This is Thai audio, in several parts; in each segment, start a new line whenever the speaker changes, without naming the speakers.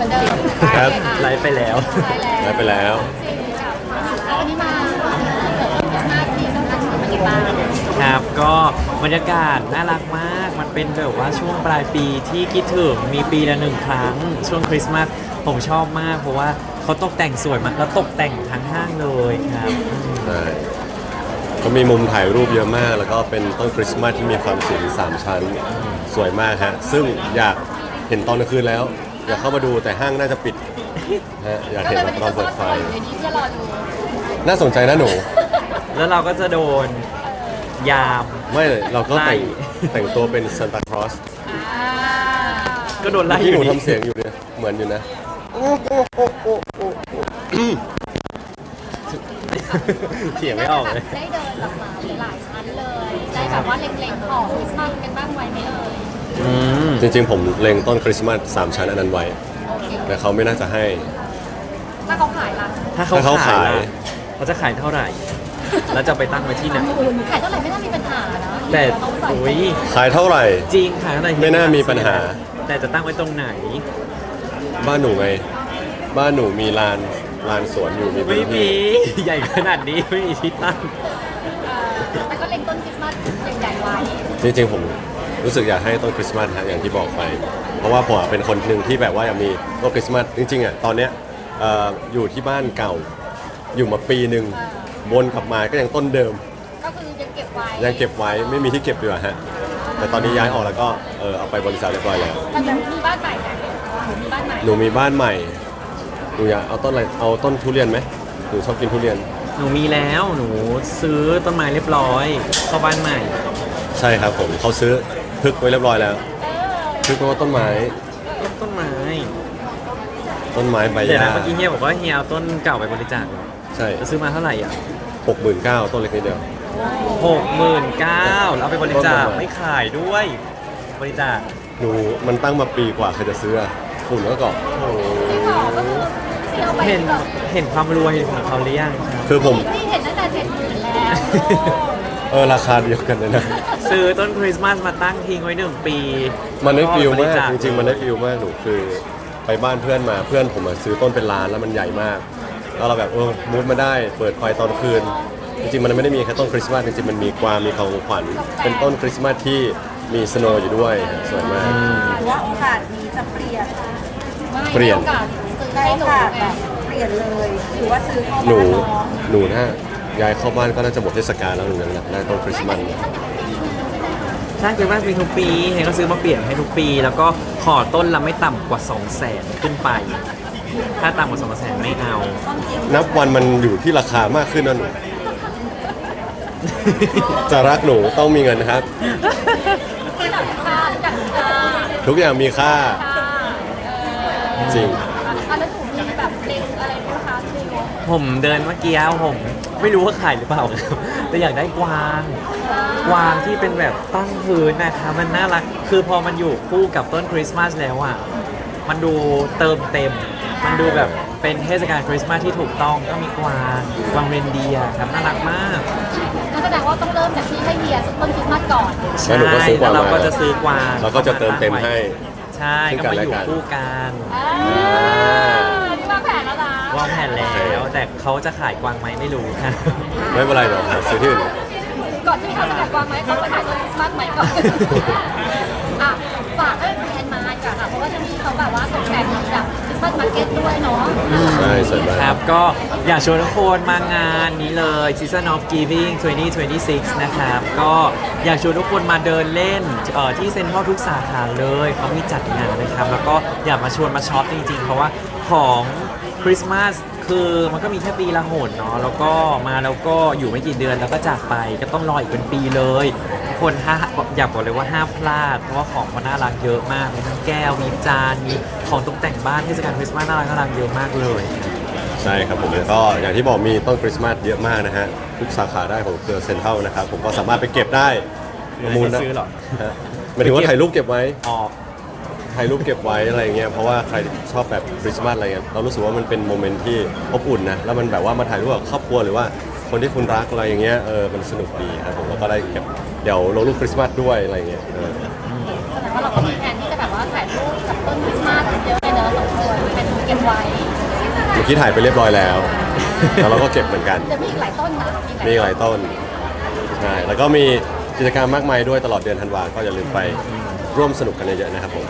มือนเดิม
ครับ
ไลฟ์ไปแล้ว
ได้ไปแล้ว
วันนี้มาหน้าที่สำคัญของมันอีกบ้าง
ครับก็บรรยากาศน่ารักมาก มันเป็นแบบว่าช่วงปลายปีที่คิดถึงมีปีละหนึ่งครั้งช่วงคริสต์มาสผมชอบมากเพราะว่าเขาตกแต่งสวยมากแล้วตกแต่งทั้งห้างเลยครับ
ใช่ก็มีมุมถ่ายรูปเยอะมาก แล้วก็เป็นต้นคริสต์มาสที่มีความสูง3 ชั้น สวยมากฮะ ซึ่งอยากเห็นตอนกลางคืนแล้ว อยากเข้ามาดูแต่ห้างน่าจะปิดฮะอยาก
ก็
เห็น
เลย
แบบ
วัน
ต
นี้
อน
จะ
เปิดไฟ
เดี๋ยวนี้จะรอดู
น่าสนใจนะหนู
แล้วเราก็จะโดนยาม
ไม่เราก็แต่ง
ไล่
แต่งตัวเป็นซานตาคลอส
ก็โดนไล่อ
ที่หนู
ยู่ดี
ทำเสียงอยู่เนี่ยเหมือนอยู่นะ
เถียงไม่ออกเลย
ได้เดินออกมาหลายชั้นเลยได้แบบว่าเล็งๆของคริสต์มาสกันบ้างไว้ไหมเอ่ย
จริงๆผมเล็งต้นคริสต์มาส3 ชั้นอันนั้นไว้
โอเค
แต่เขาไม่น่าจะให้
ถ้าเขาขายล่ะ
ถ้าเขา
ถ้าเขา
ขาย
ขาย
ล่ะเขาจะขายเท่าไหร่ แล้วจะไปตั้งไว้ที่ไหน
ขายเท่าไหร่ไม่น่ามีปัญหานะ
แต่
เขาใส่
อุ้ย
ขายเท่าไหร่
จริงขายเท่าไหร่
ไม่น่ามีปัญหา
แต่จะตั้งไว้ตรงไหน
บ้านหนูไง บ้านหนูมีลานสวนอยู่มี
ไม่
พื้น
มี
ที่
ใหญ่ขนาดนี้ไม่มีที่ตั้ง
แต่ก็เล็งต้นคริสต์มาสใหญ่ๆไว้
จริงๆผมรู้สึกอยากให้ต้นคริสต์มาสฮะอย่างที่บอกไป เพราะว่าผมเป็นคนหนึ่งที่แบบว่าอยากมีต้นคริสต์มาสจริงๆอ่ะตอนเนี้ยอยู่ที่บ้านเก่า อยู่มาปีหนึ่งวนกลับมาก็ยังต้นเดิม
ก็คือยังเก็บไว้
ยังเก็บไว้ไม่มีที่เก็บดีกว่าฮะแต่ตอนนี้ย้ายออกแล้วก็เอาไปบริษัทเรียบร้อยแล้ว
แต่จะมีบ้านใหม่นะหนูมีบ้านใหม่
หนูมีบ้านใหม่หนูอยากเอาต้นอะไรเอาต้นทุเรียนไหมหนูชอบกินทุเรียน
หนูมีแล้วหนูซื้อต้นไม้เรียบร้อยเข้าบ้านใหม่
ใช่ครับผมเขาซื้อพึกไว้เรียบร้อยแล้วพึกแปลว่าต้นไม้
ต้นไม้
ใบ
เดี๋ยว
หญ้า
นะเมื่อกี้เฮียบอกว่าเฮียเอาต้นเก่าไปบริจาคเหรอ
ใช่
จะซื้อมาเท่าไหร่อ่ะ
69,000ต้นเล็กนิดเดียว
69,000แล้วเอาไปบริจาค
ต้นประมาณ
ไม่ขายด้วย บริจาค
หนูมันตั้งมาปีกว่าใครจะซื้ออะฝุ่นก็เกาะ
ที่หอก็คือที่เอาไป
เห็น
ก่อน
เห็นความรวยของเขาหรือยังครับ
คือผม
ที่เห็นตั้งแต่70,000แล้ว
ราคาเดียวกันเลยนะ
ซื้อต้นคริสต์มาสมาตั้งทิ้งไว้1 ปี
มันได้ฟิล
บ
มาก
จค
จริงๆมันได้ฟิลมากหนูคือไปบ้านเพื่อนมาเพื่อนผมอะซื้อต้นเป็นล้านแล้วมันใหญ่มากแล้วเราแบบมูดมาได้เปิดไฟตอนคืน จริงๆมันไม่ได้มีแค่ต้นคริสต์มาสจริงๆมันมีกวางมีของขวัญเป็นต้นคริสต์มาสที่มีสโนว์อยู่ด้วยสวยมาก
หรือว่าโอกาสนี้จะเปลี่ยน
เปลี่ยน
ไม่ได้โอกาสซื้อ
ได้
ให้
โอ
หนู
กาส
ไง
แบบเปลี่ยนเลยหรือว่าซื้อเข้า
หนู
บ้านน้อง
หนูถ้าย้ายเข้าบ้านก็น่าจะหมดเทศกาลแล้วเหมือนกันนะได้ต้นคริสต์มาสเนี่ย
ใช่คริสต์มาสมีทุกปีเฮียก็ซื้อมาเปลี่ยนให้ทุกปี แล้วก็ขอต้นละไม่ต่ำกว่า 200,000 ขึ้นไป ถ้าต่ำกว่า 200,000 ไม่เอา
นับวันมันอยู่ที่ราคามากขึ้นนะหนู จะรักหนูต้องมีเงินนะครับ
จัดค่าจัดค่า
ทุกอย่างมีค่า จริง
อันนั้นหนูมีแบบเล็งอะไรไหมคะคือ
ผมเดินเมื่อกี้ผมไม่รู้ว่าขายหรือเปล่าครับแต่อยากได้กวางที่เป็นแบบตั้งพื้นนะคะมันน่ารักคือพอมันอยู่คู่กับต้นคริสต์มาสแล้วอ่ะมันดูเติมเต็ม มันดูแบบเป็นเทศกาลคริสต์มาสที่ถูกต้องก็มีกวางเรนเดียร์ครับน่ารักมาก
นั่นแสดงว่าต้องเริ่มจากที่ให้เฮียซื้อต้นคริสต์มาสก่อน
แล้วหนูก็ซื้อกวาง
แล้วเรา
มา
ก็จะซื้อกวาง
เราก็จะเติมเต็มให้
ใช่
ซึ่ง
ก็
กัน
มา
และ
อยู่
กัน
คู่กัน
นี่วางแผนแล้วนะ
วางแผนแล้วแต่เขาจะขายกวางไหมไม่รู้ค่ะ
ไม่เป็นไรเดี๋ยวหาซื้อที่อื่น
ก่อนที่เขาจะจัดวางไหมเขาจะขายต้นคริสต์มาสใหม่ก่อนอ่ะฝากให้แฟนมาจ้ะค่ะเพราะว่าที่นี่เขาแบบว่าตกแต่งแบบคริสต์มาสมาร์เก็ตด้วยเนาะ
ใช่สวยมาก
ครับก็อยากชวนทุกคนมางานนี้เลย Season of Giving 2026 นะครับ ก็อยากชวนทุกคนมาเดินเล่นที่เซ็นทรัลทุกสาขาเลยเขามีจัดงานนะครับ แล้วก็อยากมาชวนมาช็อปจริงๆ เพราะว่าของคริสต์มาสคือมันก็มีแค่ปีละหนเนาะแล้วก็มาแล้วก็อยู่ไม่กี่เดือนแล้วก็จากไปก็ต้องรออีกเป็นปีเลยทุกคนอยากบอกเลยว่าห้ามพลาด เพราะว่าของเขาน่ารักเยอะมากมีทั้งแก้วมีจานมีของตกแต่งบ้านเทศกาลคริสต์มาสน่ารักเยอะมากเลย
ใช่ครับผมแล้วก็อย่างที่บอกมีต้นคริสต์มาสเยอะมากนะฮะทุกสาขาได้ของเครือเซ็นทรัลนะครับผมก็สามารถไปเก็บได้ประมูลนะ
ซื้อหรอ
ฮะหมายถึงว่าถ่ายรูปเก็บไว้
ออก
ถ่ายรูปเก็บไว้อะไรเงี้ยเพราะว่าใครชอบแบบคริสต์มาสอะไรเงี้ยเรารู้สึกว่ามันเป็นโมเมนต์ที่อบอุ่นนะแล้วมันแบบว่ามาถ่ายรูปกับครอบครัวหรือว่าคนที่คุณรักอะไรอย่างเงี้ยมันสนุกดีครับผมแล้วก็ได้เก็บเดี๋ยวลงรูปคริสต์มาสด้วยอะไรเงี้ย
แสดงว่าเราก็มีแผนที่จะแบบว่าถ่ายรูปกับต้นคริสต์มาสเยอะเลยเนอะสองคนเป็นเก็บไว้
เมื่อกี้ถ่ายไปเรียบร้อยแล้ว แล้วเราก็เก็บเหมือนกัน
เดี๋ยวมีอีกหลายต้นนะ
มีอีกหลายต้นใช่แล้วก็มีกิจกรรมมากมายด้วยตลอดเดือนธันวาก็อย่าลืมไปร่วมสนุกกันเยอะๆนะครับผม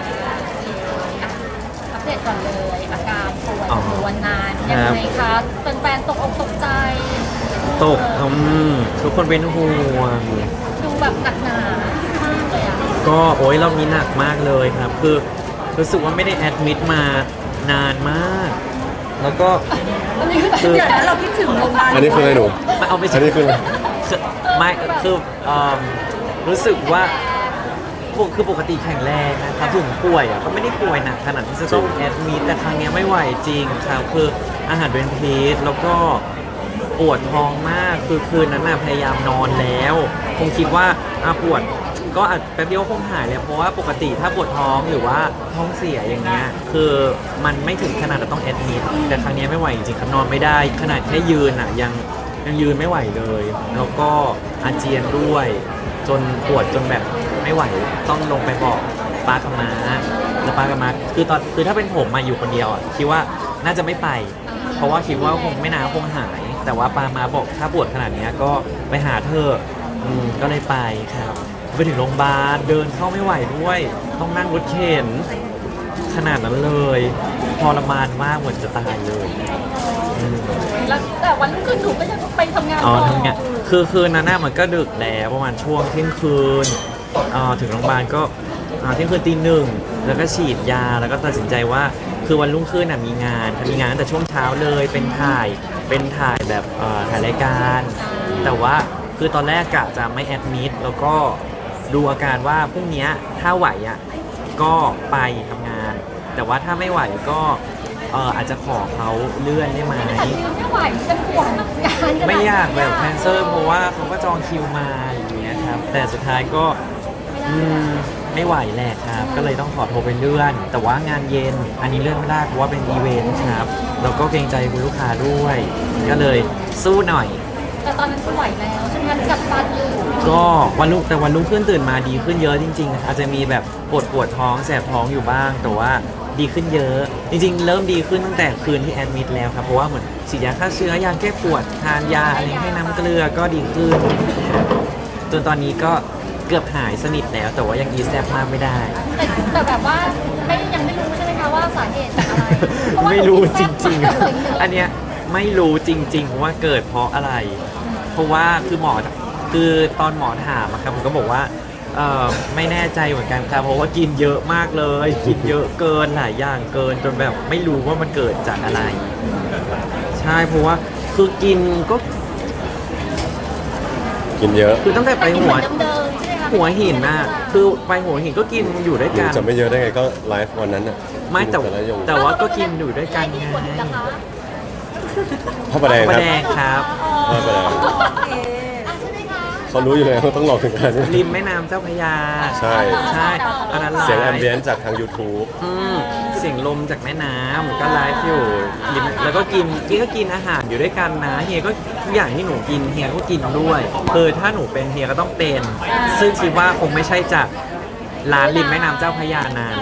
อัปเดตก่อนเลยอาการป่วย
อ๋อ
วันนานยังไงคะแฟนๆตกอกตกใจ
ตกทุกคนเป็นห่วง
ดูแบบหนักหนามากเลยอ่ะ
ก็โอ้ยรอบนี้หนักมากเลยครับ คือรู้สึกว่าไม่ได้แอดมิดมานานมาก แล้วก็
อันนี้คือแบบ
คือ
เดี๋ยวนั้นเราคิดถึงโรงพยาบาล
อันนี้คืออะไรหนู
ไม่เอาไป
อันนี้คือ
ไม่คือรู้สึกว่าคือปกติแข็งแรงนะครับถึงป่วยอ่ะก็ไม่ได้ป่วยหนักขนาดที่จะต้องแอดมิดแต่ครั้งเนี้ยไม่ไหวจริงครับคืออาหารเป็นพิษแล้วก็ปวดท้องมากคือคืนนั้นน่ะพยายามนอนแล้วคงคิดว่าปวดก็อาจแป๊บเดียวคงหายเลยเพราะว่าปกติถ้าปวดท้องหรือว่าท้องเสียอย่างเงี้ยคือมันไม่ถึงขนาดจะต้องแอดมิดแต่ครั้งเนี้ยไม่ไหวจริงๆครับนอนไม่ได้ขนาดแค่ยืนอ่ะยังยืนไม่ไหวเลย แล้วก็อาเจียนด้วย จนปวดจนแบบไม่ไหวต้องลงไปบอกป้ากับม้าแล้วป้ากับม้าคือถ้าเป็นผมมาอยู่คนเดียวอ่ะคิดว่าน่าจะไม่ไป เพราะว่าคิดว่าคงไม่นานคงหาย แต่ว่าป้ามาบอกถ้าปวดขนาดเนี้ยก็ไปหาเธอะก็เลยไปครับไปถึงโรงพยาบาลเดินเข้าไม่ไหวด้วย ต้องนั่งรถเข็นขนาดนั้นเลยทรมานมากเหมือนจะตายเลย
แล้วแต่วันรุ่งขึ้นหนูก็ยังไปทำงาน
อ๋อ
ต่อ
ทำไงคือคืนนั้นน่ะมันก็ดึกแล้วประมาณช่วงเที่ยงคืนถึงโรงพยาบาลก็เที่ยงคืนตีหนึ่งแล้วก็ฉีดยาแล้วก็ตัดสินใจว่าคือวันรุ่งขึ้นน่ะมีงานตั้งแต่ช่วงเช้าเลยเป็นถ่ายแบบถ่ายรายการ แต่ว่าคือตอนแรกกะจะไม่แอดมิดแล้วก็ดูอาการว่าพรุ่งเนี้ยถ้าไหวอ่ะก็ไปทำงาน แต่ว่าถ้าไม่ไหวก็อาจจะขอเขาเลื่อนได้ไหม
แต่ยืนไม่ไหวจะห่วงงานขนาดนี้
ไม่อยากแบบแคนเซิลเพราะว่าเขาก็จองคิวมาอย่างเงี้ยครับ แต่สุดท้ายก็ไม่ไหวแหละครับ ก็เลยต้องขอโทรไปเลื่อน แต่ว่างานเย็นอันนี้เลื่อนไม่ได้เพราะว่าเป็นอีเวนต์ครับแล้วก็เกรงใจคุณลูกค้าด้วย ก็เลยสู้หน่อย
แต่ตอนนั้นคือไหวแล้วใช่ไหมกัดฟันอยู่
ก็วันรุ่งขึ้นตื่นมาดีขึ้นเยอะจริงๆ อาจจะมีแบบปวดท้องแสบท้องอยู่บ้าง แต่ว่าดีขึ้นเยอะ จริงๆ เริ่มดีขึ้นตั้งแต่คืนที่แอดมิดแล้วครับเพราะว่าเหมือนฉีดยาฆ่าเชื้อยาแก้ปวดทานยาอะไรให้น้ำเกลือก็ดีขึ้นจนตอนนี้ก็เกือบหายสนิทแล้ว แต่ว่ายังอีแซบมากไม่ได้
แต่แบบว่ายังไม่รู้ใช่ไหมคะว่าสาเหตุจากอะไรเพาะว่า
ไม่รู้จริง
หนูกินแซ่บ
ๆ อันเนี้ยไม่รู้จริงๆว่าเกิดเพราะอะไร เพราะว่าคือตอนหมอถามอะครับผมก็บอกว่าไม่แน่ใจเหมือนกันครับเพราะว่ากินเยอะมากเลย กินเยอะเกินหลายอย่างเกินจนแบบไม่รู้ว่ามันเกิดจากอะไร ใช่เพราะว่าคือกินก็
กินเยอะ
คือตั้งแต่ไป
กินเหมือนเดิมๆใช่ไหมคะ
หัวหินน่ะคือไปหัวหินก็กินอยู่ด้วย
หนู
กัน
จะไม่เยอะได้ไงก็ไลฟ์วันนั้นอ่ะ
ไม่แต่
กินละยง
แต่ว่าก็กินอยู่ด้วยกัน
ที่
ไง
ขวดนะคะ
พระประแดง
ป
ค
ระ
รับ
แดงครับ
พระประแดง
โอเค
ใช่ไหมคะ
เขารู้อยู่แล้วว่าต้องหลอกถึงกัน
ริมแม่น้ำเจ้าพระยา
ใช่
ใช่อันนั้นไลฟ์
เสียงแอมเบียนซ์จากทาง YouTube
เสียงลมจากแม่น้ำก็ไลฟ์อยู่ริมแล้วก็กินอาหารอยู่ด้วยกันนะเฮียก็ทุกอย่างที่หนูกินเฮียก็กินด้วยถ้าหนูเป็นเฮียก็ต้องเป็น ซึ่งคิดว่าคงไม่ใช่จากร้านริมแม่น้ำเจ้าพระยานั้น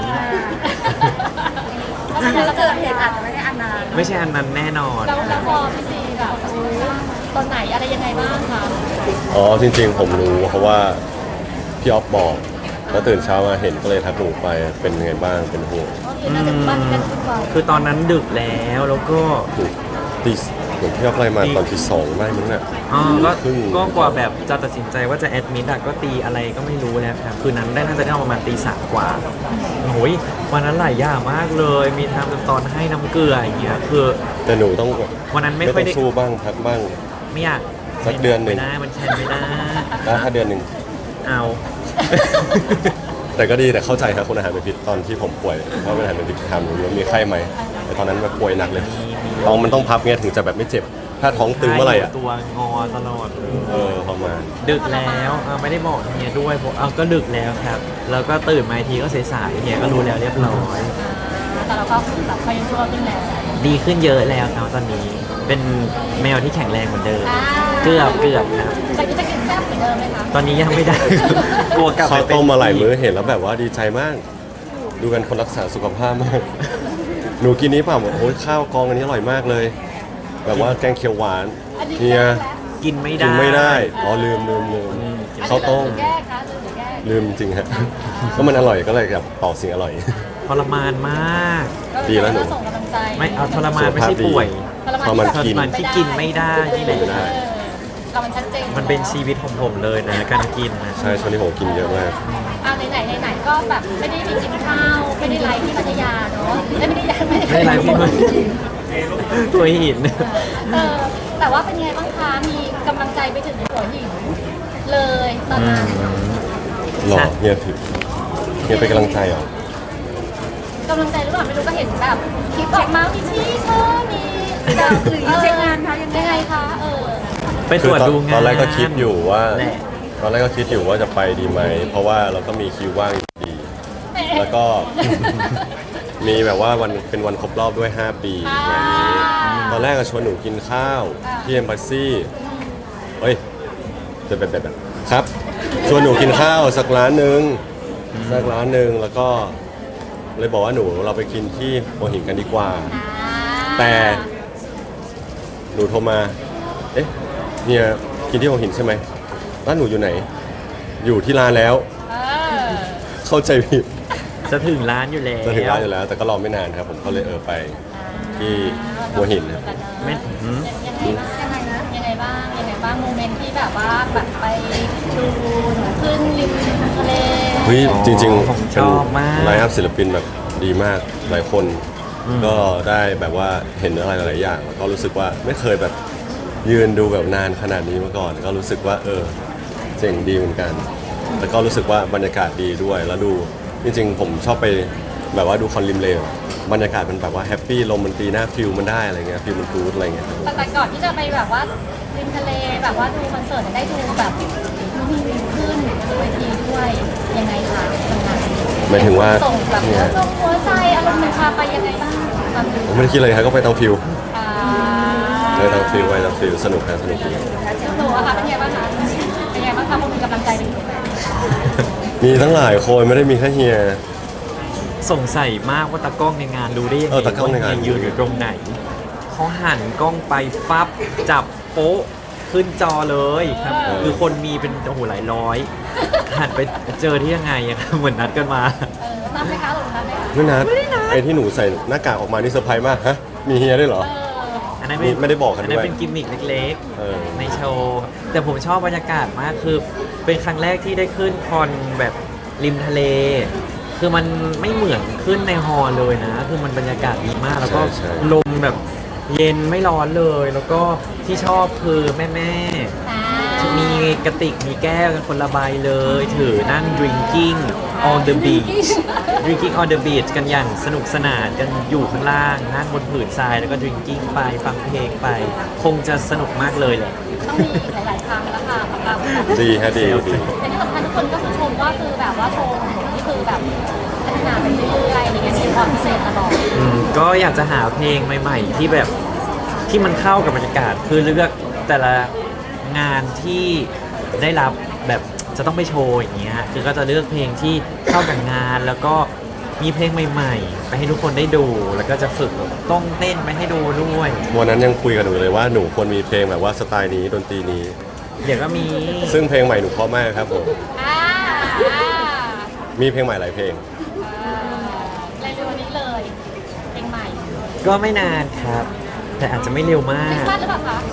แล้วเกิดเหตุอาจจะไม่ได้อันนาน
ไม่ใช่อันนั้นแน่นอน
แล้วพอพี่ซีแบบรู้ตอนไหนอะไรยังไงบ้างคะ
อ๋อจริงๆผมรู้เพราะว่าพี่ออฟบอกแล้วตื่นเช้ามาเห็นก็เลยทักหนูไปเป็นยังไงบ้างเป็นห่วง
โอเคน่าจะบ้านกันทุกวัน
คือตอนนั้นดึกแล้วก็
ตีเหมือนพี่ออฟไล่มาตอนที่สองได้มั้งน่ะ
ก็
ครึ่ง
ก็กว่าแบบจะตัดสินใจว่าจะแอดมิดอะก็ตีอะไรก็ไม่รู้แล้วครับคืนนั้นน่าจะได้ประมาณตีสามกว่าโอ้ยวันนั้นหลายอย่างมากเลย มีทำตอนให้น้ำเกลืออย่างเงี้ยคือ
แต่หนูต้อง
วันนั้นไม่
ต้
ค่อย
อง
ได้
สู้บ้างพักบ้าง
ไม่อยาก
สักเดือนหนึ่ง
ไม่ได้มันแคนไม่ได้
ได้ถ้าเดือนหนึ่ง
เอา
แต่ก็ดีแต่เข้าใจครับคนอาหารเป็นพิษตอนที่ผมป่วยเพราะเป็นอาหารเป็นพิษถามหนูว่ามีไข้ไหมแต่ตอนนั้นแบบป่วยหนักเลยท้องมันต้องพับเงี้ยถึงจะแบบไม่เจ็บ ถ้าท้องตึงเมื่อไหร่อ่ะ
ตัวงอตลอดเลย
ประมาณ
ดึกแล้วไม่ได้บอกเฮียด้วยผมก็ดึกแล้วครับ แล้วก็ตื่นมาอีกทีก็สายๆเฮียก็รู้แล้วเรียบร้อย
แต่เราก็คือแบบเขายังชั่วขึ้นแล้ว
ดีขึ้นเยอะแล้วครับตอนนี้ เป็นแมวที่แข็งแรงเหมือนเดิม เกือบครับ
แต่ก็จะกินแซ่บเหมือนเดิมไหมคะ
ตอนนี้ยังไม่ได้ กลัวกลับไป
ข้าว
เป็น
ต้มมาหลายมื้อเห็นแล้วแบบว่าดีใจมาก ดูกันคนรักษาสุขภาพมากหนูกินนี้เปล่าโอ้ยข้าวกองอันนี้อร่อยมากเลย แบบว่าแกงเขียวหวาน
อันนี้
เฮีย
กินไม่
กิ
ได้
นไม่ได้อ๋อลืมข้าวต้ม
แก้คะหรือแก้
ลืมจริงฮะก็มันอร่อยก็เลยแบบต่อสิ่งอร่อย
ทรมานมาก
ดีแล้วหนู
ส่งกำลังใจ
ไม่เอาทรมานไม่ใช่ป่วย
พอมัน
ทร
กิน
มานที่กินไม่ได้นี่แหละ
ไม่ได้
เรามันชัดเจน
มันเป็นชีวิตของผมเลยนะการกินนะ
ใช่ช่วงนี้ผมกินเยอะมาก
ไหนก็แบบไม่ได้ไปกินข้าวไม่ได้ไลฟ์ที่พัทยาเนาะไม่ได้
ไม่ไรพี่มึงตัวหิน
แต่ว่าเป็นไงบ้างคะมีกำลังใจไปถึงหัวหินเลยตอนนั้น
หล่อเฮียถือเฮียเป็นกำลังใจเหรอก
ำลังใจหรือเปล่าไม่รู้ก็เห็นแบบคลิปออกมาพี่ชี่เธอมีแบบ
หรือเช็คงานคะยังไง
ยังไงคะ
ไปตรวจดูงาน
ตอนแรกก็คิดอยู่ว่า
แหละ
ตอนแรกก็คิดอยู่ว่าจะไปดีไหม เพราะว่าเราก็มีคิวว่างอยู่ดี แล้วก็ มีแบบว่าวันเป็นวันครบรอบด้วย 5 ปีงานนี้ตอนแรกก็ชวนหนูกินข้าวที่เอ็มบัสซี่เฮ้ยจะแบบครับชวนหนูกินข้าวสักร้านหนึ่งแล้วก็เลยบอกว่าหนูเราไปกินที่หัวหินกันดีกว่า แต่หนูโทรมา เอ๊ะเนี่ยกินที่หัวหินใช่ไหมร้านหนูอยู่ไหน อยู่ที่ร้านแล้ว เข้าใจผิด
จะถึงร้านอยู่แล้ว
จะถึงร้านอยู่แล้ว แต่ก็รอไม่นานครับผมก็เลยไปที่หัวหินนะ
ไม่หืม
ยังไงบ้างโมเมนต์ที่แบบว่าแบบไปดูหนูขึ้นริมทะเล
เฮ้ยจริงๆ
ผมชอบมาก
ไลน์อัพศิลปินแบบดีมากหลายคน ก็ได้แบบว่าเห็นอะไรหลายๆอย่างแล้วก็รู้สึกว่าไม่เคยแบบยืนดูแบบนานขนาดนี้มาก่อน ก็รู้สึกว่าเจ๋งดีเหมือนกัน แล้วก็รู้สึกว่าบรรยากาศดีด้วยแล้วดูจริงๆผมชอบไปแบบว่าดูคอนริมเลย์บรรยากาศมันแบบว่าแฮปปี้ลมมันตีหน้าฟิลมันได้อะไรเงี้ยฟิลมันกู๊ดอะไรเงี้ยครับ
แต่ก่อนที่จะไปแบบว่าริมทะเลแบบว่าดูคอนเสิร์ตได้ดูแบบมีวิวขึ้นบนเวทีด้วยยังไงคะตรงนั้น
หมายถึงว่า
ส่งแบบหัวใจอารมณ์มันพาไปยังไงบ้างตอนนี้
ผมไม่ได้คิดอะไรครับก็ไปตามฟิล
อ่า
ไปตามฟิลสนุกครับสนุกดี
หนูอะค่ะเป็นไงบ้างคะเป็นไงบ้างคะพอมีกำลังใจเป็นยังไง
มีทั้งหลายคนไม่ได้มีแค่เฮีย
สงสัยมากว่าตากล้องในงานรู้ได้ยังไง
ตากล้องในงาน
ว่ายืนอยู่ตรงไหนเขาหันกล้องไปฟับจับโป๊ะขึ้นจอเลยครับ คือคนมีเป็นโอ้โหหลายร้อย หันไปเจอที่ยังไงอะครับเหมือนนัดกันมา
นับไหมคะหรือนับไหมคะ
ไม่นัดไอ้ที่หนูใส่หน้ากากออกมานี่เซอร์ไพรส์มากฮะมีเฮียด้วยเหรอ
อันนั้น
ไม่ได้บอกกันด้วย
อันนั้นเป็นกิมมิคเล็ก
เออ
ๆ ในโชว์ แต่ผมชอบบรรยากาศมากคือ เป็นครั้งแรกที่ได้ขึ้นคอนแบบริมทะเล คือมันไม่เหมือนขึ้นในฮอลล์เลยนะ คือมันบรรยากาศดีมาก แล้วก็
ใช่
ลมแบบเย็นไม่ร้อนเลย แล้วก็ที่ชอบคือแม่ๆ มีกระติกมีแก้วกันคนละใบเลย ถือนั่ง drinking on the beach drinking on the beach กันอย่างสนุกสนานกันอยู่ข้างล่างนั่งบนผืนทรายแล้วก็ drinking ไปฟังเพลงไป คงจะสนุกมากเลยแหละ
ต้องมีอีกหลายๆครั้งแล้วค่ะของเรา
ดีฮะดี
แต่ที่สำคัญทุกคนก็คือชมว่าคือแบบว่าโชว์ของหนูนี่คือแบบพัฒนาไปเรื่อยๆอะไรเงี้ยมีความพิเศษตลอด
ก็อยากจะหาเพลงใหม่ ๆ ที่แบบที่มันเข้ากับบรรยากาศคือเลือกแต่ละงานที่ได้รับแบบจะต้องไปโชว์อย่างเงี้ยคือก็จะเลือกเพลงที่เข้ากับงานแล้วก็มีเพลงใหม่ ๆ ไปให้ทุกคนได้ดู แล้วก็จะฝึกต้องเต้นไปให้ดูด้วย
วันนั้นยังคุยกับหนูเลยว่าหนูควรมีเพลงแบบว่าสไตล์นี้ดนตรีนี้
เดี๋ยวก็มี
ซึ่งเพลงใหม่หนูเพราะมากครับผม
อ่า
มีเพลงใหม่หลายเพลง
เร็วๆนี้เลยเพลงใหม่
ก็ไม่นานครับ แต่อาจจะไม่เร็วมา
คริส
ก
ต์มาสหรือเปล่าคะ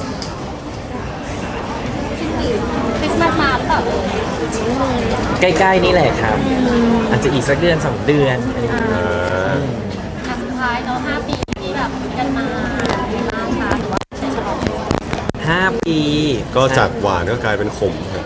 คริสต์มาสมาหรือเปล่า
ใกล้ๆนี่แหละครับ อาจจะอีกสักเดือน2 เดือนอะไรอย่างเงี้ย
อ่ะสุดท้ายเนาะ5 ปีที่แบบกันมาเป็นไงบ้างคะหรือว่าใช้ฉลอง
5 ปี
ก็จากหวานก็กลายเป็นขมครับ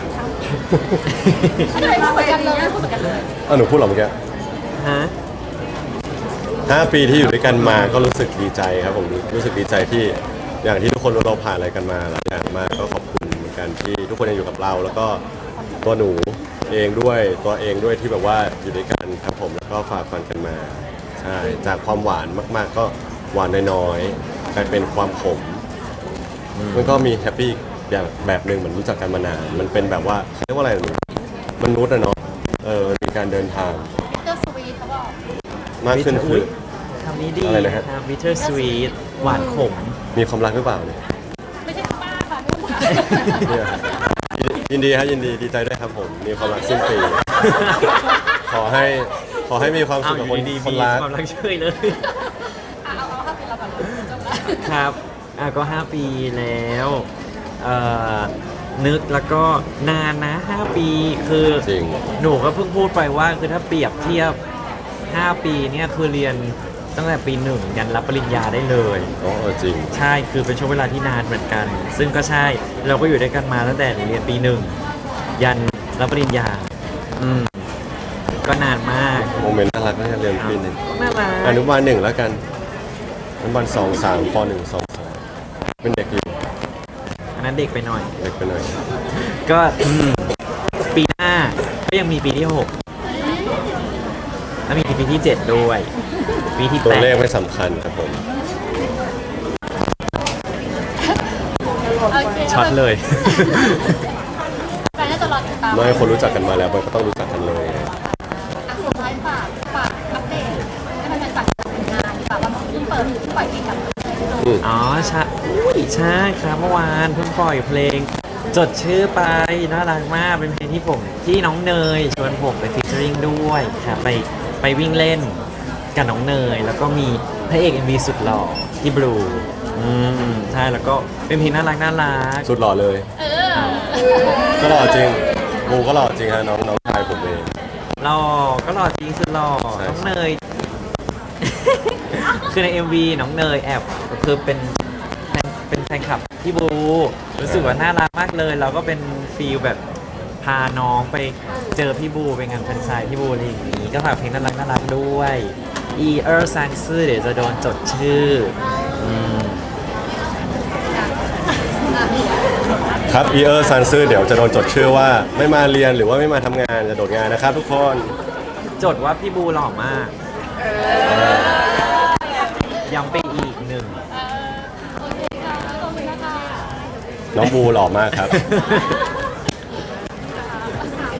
ไม่ได้พูดเหมือนกันเลยพูดเหมือนกันเลย
หนูพูดเหรอเมื่อกี้
ฮะ
5 ปีที่อยู่ด้วยกันมาก็รู้สึกดีใจครับผมรู้สึกดีใจที่อย่างที่ทุกคนเราผ่านอะไรกันมาหลายอย่างมากก็ขอบคุณเหมือนกันที่ทุกคนยังอยู่กับเรา แล้วก็ตัวหนูเองด้วยตัวเองด้วยที่แบบว่าอยู่ด้วยกันครับผมแล้วก็ฝ่าฟันกันมาใช่จากความหวานมากๆ ก็หวานน้อยๆกลายเป็นความขม มันก็มีแฮปปี้อย่างแบบหนึ่งเหมือนรู้จักกันมานานมันเป็นแบบว่าเรียกว่าอะไรหนูมนุษย์อะเนาะมันมีการเดินทาง
ก็สวีทเขาบอก
มากขึ้นคือ
ำนี้ดี
อะไรนะฮะ
ครับ bitter sweet หวานขม
มีความรักหรือเปล่าเนี่ย
ไม่ใช่ป้าค่ะนู่นค่ะ
เนี่ยยินดีครับยินดีดีใจด้วยครับผมมีความรักสิ้นปี ขอให้มีความสุ
เอา
ข
อ
กับ
ยู่ดีๆ
คน
มี
รัก
ความรักเฉยเลย
เอาค่ะเป็นเราก่อนจบแล้ว
ครับก็ 5 ปีแล้วนึกแล้วก็นานนะ 5 ปีคือ
จริง
หนูก็เพิ่งพูดไปว่าคือถ้าเปรียบเทียบ 5 ปีเนี่ยคือเรียนตั้งแต่ปี 1 ยันรับปริญญาได้เลย
อ๋อจริง
ใช่คือเป็นช่วงเวลาที่นานเหมือนกัน ซึ่งก็ใช่เราก็อยู่ด้วยกันมาตั้งแต่เรียนปี 1 ยันรับปริญญาก็นานมาก
โมเมนต์น่ารักน่าจะเรียนปีหนึ่ง
น่ารัก
อนุบาล1แล้วกันอนุบาล2 3ป1 2 3เป็นเด็กอยู่
อันนั้นเด็กไปหน่อย
เด็กไปหน่อย
ก็ปีหน้าก็ยังมีปีที่ 6 แล้วมีปีที่ 7 ด้วย ปีที่
ตัวเลข
8
ไม่สำคัญครับผม
โอเค
ช็อตเลย
แฟนน่าจะรอติดตาม
ไม่คนรู้จักกันมาแล้วมันก็ต้องรู้จักกันเลย
สุดท้ายฝากอัปเดตให้มันเป็นฝากผลงานดีกว่าว่าเพิ่งเปิดเพิ่งปล่อยเพลงกับ
อ๋อใช่อุ้ยใช่ครับเมื่อวานเพิ่งปล่อยเพลง จดชื่อไปน่ารักมากเป็นเพลงที่น้องเนยชวนผมไปฟีเจอริงด้วยครับไปวิ่งเล่นกับน้องเนย แล้วก็มีพระเอก MV สุดหล่อที่บลูใช่แล้วก็เป็นเพลงน่ารัก
สุดหล่อเลย
เออ
ก็หล่อจริงบูก็หล่อจริงฮะน้องชายผมเอง
หล่อก็หล่อจริงสุดหล่อ
ใช่
น้องเนย คือใน MV น้องเนยแอบคือเป็นแฟนคลับพี่บูรู้สึกว่าน่ารักมากเลยเราก็เป็นฟีลแบบพาน้องไปเจอพี่บูไปงานแฟนไซน์พี่บูอะไรอย่างนี้ก็ฝากเพลงน่ารักด้วยอีเออร์ซังซื่อเดี๋ยวจะโดนจดชื่อม
ครับอีเออร์ซันซื่อเดี๋ยวจะโดนจดชื่อว่าไม่มาเรียนหรือว่าไม่มาทำงานจะโดดงานนะครับทุกคน
จดว่าพี่บูหล่อมากย้ำไปอีกหนึ่ง
โอเคค่ะขอบคุณนะคะ
น้องบูหล่อมากครับ